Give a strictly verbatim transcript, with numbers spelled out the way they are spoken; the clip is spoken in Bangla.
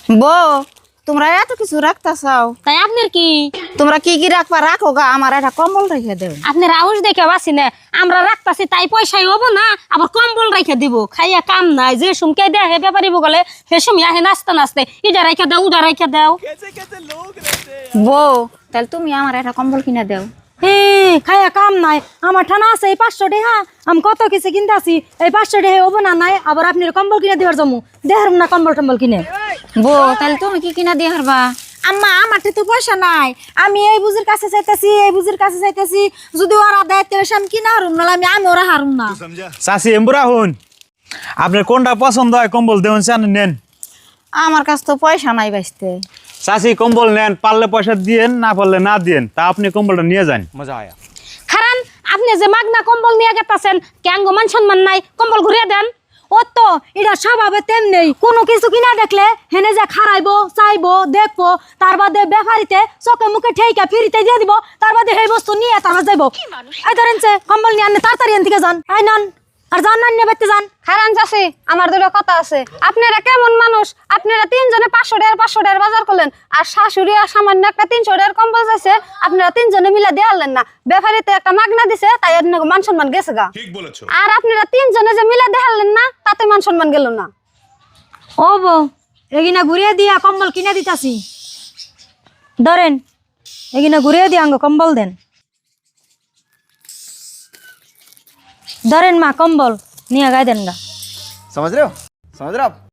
বউ তোমরা এত কিছু রাখতা চাও, তাই আপনার কি তোমরা কি কি রাখবা রাখো গা, আমার একটা কম্বল রেখে দেও। আপনার আউশ দেখে বাসি না আমরা রাখতাছি তাই পয়সাই হবো না, আবার কম্বল রেখে দিব। খাইয়া কাম নাই, যে সুমকে দেয় হে ব্যাপারিব গলে সে সুমি আহে নাচতে নাচতে ইটা রেখে দাও উদা রেখে দাও। বউ তাহলে তুমি আমার একটা কম্বল কিনে দেও। হে খাইয়া কাম নাই, আমার ঠানা আছে এই পাঁচশো টাকা, আমি কত কিছু কিনতে আসি, এই পাঁচশো টাকা হবো না নাই, আবার আপনি কম্বল কিনে দেওয়ার জমু দেহার না কম্বল টম্বল কিনে। বউ তাহলে তুমি কি কিনা দিয়ে হারবা? আম্মা আমার তো পয়সা নাই, আমি এই বুঝির কাছে চাইতেছি এই বুঝির কাছে চাইতেছি, যদি ওরা দেয় তাহলে আমি কিনা হারুম না, আমি আমি ওরা হারুম না। চাষি এমবুরা হন, আপনার কোনটা পছন্দ হয় কম্বল দেবেন চান নেন। আমার কাছে তো পয়সা নাই বাঁচতে। চাষি কম্বল নেন, পারলে পয়সা দিয়েন, না পারলে না দিয়েন, তা আপনি কম্বলটা নিয়ে যান। মজা আয়া খারান আপনি যে মাগনা কম্বল নিয়ে গেতাছেন ক্যাঙ্গ মান সম্মান নাই, কম্বল ঘুরিয়ে দেন। ও তো এটা স্বভাবে তেমনি, কোনো কিছু কিনা দেখলে হেনে যে খারাইবো চাইবো দেখবো, তার বাদে ব্যাপারিতে চোখে মুখে ঠেইকা ফিরিতে দিয়ে দিব, তার বাদে সেই বস্তু নিয়ে তারপর যাইবো। এই ধরেন কম্বল নিয়ে আনলে তাড়াতাড়ি এন থেকে যান, আই নন আর যান না নিয়ে বেতে যান। খারান চাষি আমার দুটো কথা আছে, আপনারা কেমন মানুষ, আপনারা তিনজনে পাঁচশো টাকার পাঁচশো টাকার বাজার করলেন, আর শাশুড়ি আর সামান্য একটা তিনশো টাকার কম্বল যাচ্ছে, আপনারা তিনজনে মিলে দেওয়ালেন না, ব্যাপারীতে একটা মাগনা দিছে তাই মান সম্মান গেছে গা। আর আপনারা তিনজনে যে মিলে দেখালেন না তাতে মান সম্মান গেল না। ও বউ এগিনা ঘুরিয়ে দিয়া কম্বল কিনে দিতাছি, ধরেন এগিনা ঘুরিয়ে দিয়া আঙ্গ কম্বল দেন, ধরেন মা কম্বল নিয়ে গায়ে দেন গা। समझ रहे हो समझ रहे हो आप